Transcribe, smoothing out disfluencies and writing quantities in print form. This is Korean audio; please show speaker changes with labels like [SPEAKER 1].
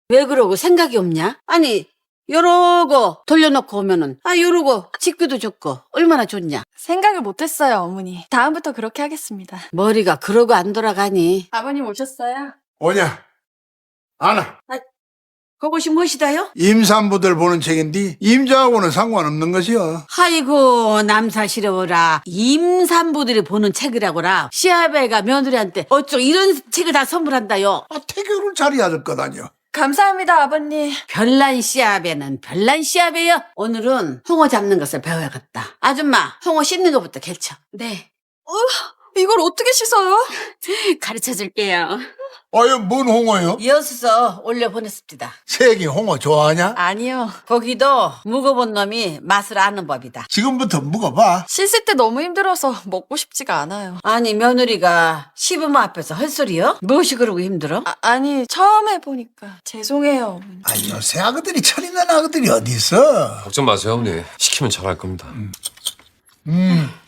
[SPEAKER 1] 왜 그러고 생각이 없냐? 아니, 요러고 돌려놓고 오면은, 요러고 집기도 좋고, 얼마나 좋냐?
[SPEAKER 2] 생각을 못했어요, 어머니. 다음부터 그렇게 하겠습니다.
[SPEAKER 1] 머리가 그러고 안 돌아가니.
[SPEAKER 2] 아버님 오셨어요?
[SPEAKER 3] 오냐? 안아.
[SPEAKER 1] 그것이 무엇이다요?
[SPEAKER 3] 임산부들 보는 책인데 임자하고는 상관없는 것이여.
[SPEAKER 1] 아이고, 남사시려워라. 임산부들이 보는 책이라고라. 시아베가 며느리한테 어쩌 이런 책을 다 선물한다요.
[SPEAKER 3] 태교를 잘해야 될 것 아니여.
[SPEAKER 2] 감사합니다, 아버님.
[SPEAKER 1] 별난 시아베는 별난 시아베요. 오늘은 홍어 잡는 것을 배워야겠다. 아줌마, 홍어 씻는 것부터 개쳐.
[SPEAKER 2] 네. 이걸 어떻게 씻어요?
[SPEAKER 1] 가르쳐 줄게요.
[SPEAKER 3] 아유, 뭔 홍어요?
[SPEAKER 1] 이어서 올려 보냈습니다.
[SPEAKER 3] 세기 홍어 좋아하냐?
[SPEAKER 2] 아니요.
[SPEAKER 1] 거기도 묵어본 놈이 맛을 아는 법이다.
[SPEAKER 3] 지금부터 묵어봐.
[SPEAKER 2] 씻을 때 너무 힘들어서 먹고 싶지가 않아요.
[SPEAKER 1] 아니, 며느리가 시부모 앞에서 헛소리요? 무엇이 그러고 힘들어?
[SPEAKER 2] 아니, 처음 해보니까. 죄송해요, 어머니.
[SPEAKER 3] 아니, 요새 아그들이 철있는 아그들이 어디 있어?
[SPEAKER 4] 걱정 마세요, 어머니. 시키면 잘할 겁니다.